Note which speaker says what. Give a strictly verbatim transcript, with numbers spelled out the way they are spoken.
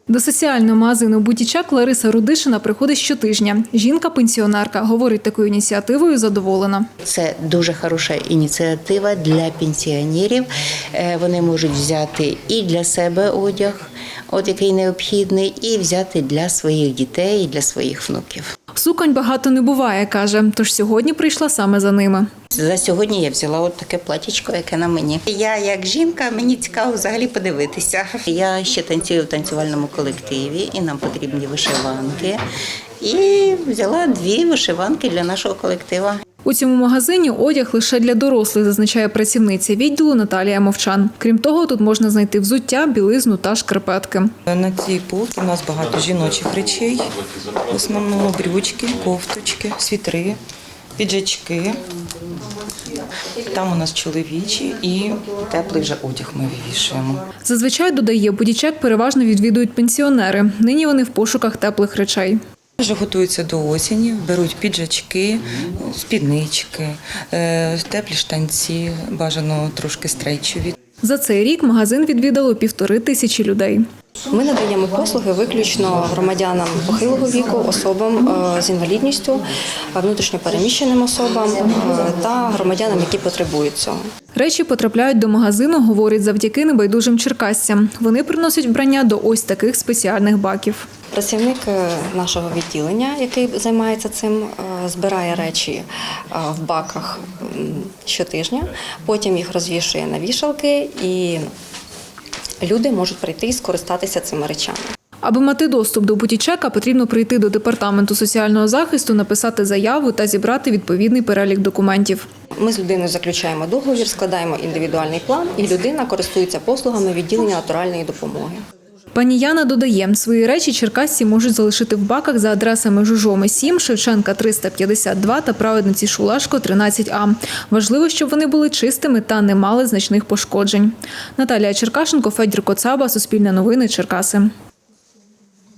Speaker 1: До соціального магазину «Бутічак» Лариса Рудишина приходить щотижня. Жінка-пенсіонерка. Говорить, такою ініціативою задоволена.
Speaker 2: Це дуже хороша ініціатива для пенсіонерів. Вони можуть взяти і для себе одяг, от який необхідний, і взяти для своїх дітей, і для своїх внуків.
Speaker 1: Суконь багато не буває, каже, тож сьогодні прийшла саме за ними.
Speaker 2: За сьогодні я взяла от таке платічко, яке на мені. Я як жінка, мені цікаво взагалі подивитися. Я ще танцюю в танцювальному колективі, і нам потрібні вишиванки. І взяла дві вишиванки для нашого колективу.
Speaker 1: У цьому магазині одяг лише для дорослих, зазначає працівниця відділу Наталія Мовчан. Крім того, тут можна знайти взуття, білизну та шкарпетки.
Speaker 3: На цій полці у нас багато жіночих речей, в основному брючки, кофточки, світри, піджачки. Там у нас чоловічі і теплий вже одяг ми вивішуємо.
Speaker 1: Зазвичай, додає, «Бутічак» переважно відвідують пенсіонери. Нині вони в пошуках теплих речей.
Speaker 3: Вже готуються до осені, беруть піджачки, спіднички, теплі штанці, бажано трошки стрейчові.
Speaker 1: За цей рік магазин відвідало півтори тисячі людей.
Speaker 4: Ми надаємо послуги виключно громадянам похилого віку, особам з інвалідністю, внутрішньопереміщеним особам та громадянам, які потребують цього.
Speaker 1: Речі потрапляють до магазину, говорить, завдяки небайдужим черкасцям. Вони приносять вбрання до ось таких спеціальних баків.
Speaker 4: Працівник нашого відділення, який займається цим, збирає речі в баках щотижня, потім їх розвішує на вішалки і люди можуть прийти і скористатися цими речами.
Speaker 1: Аби мати доступ до «Бутічака», потрібно прийти до департаменту соціального захисту, написати заяву та зібрати відповідний перелік документів.
Speaker 4: Ми з людиною заключаємо договір, складаємо індивідуальний план, і людина користується послугами відділення натуральної допомоги.
Speaker 1: Пані Яна додає, свої речі черкасці можуть залишити в баках за адресами Жужоми сім, Шевченка триста п'ятдесят два та Праведниці Шулашко тринадцять А. Важливо, щоб вони були чистими та не мали значних пошкоджень. Наталія Черкашенко, Федір Коцаба, Суспільне новини, Черкаси.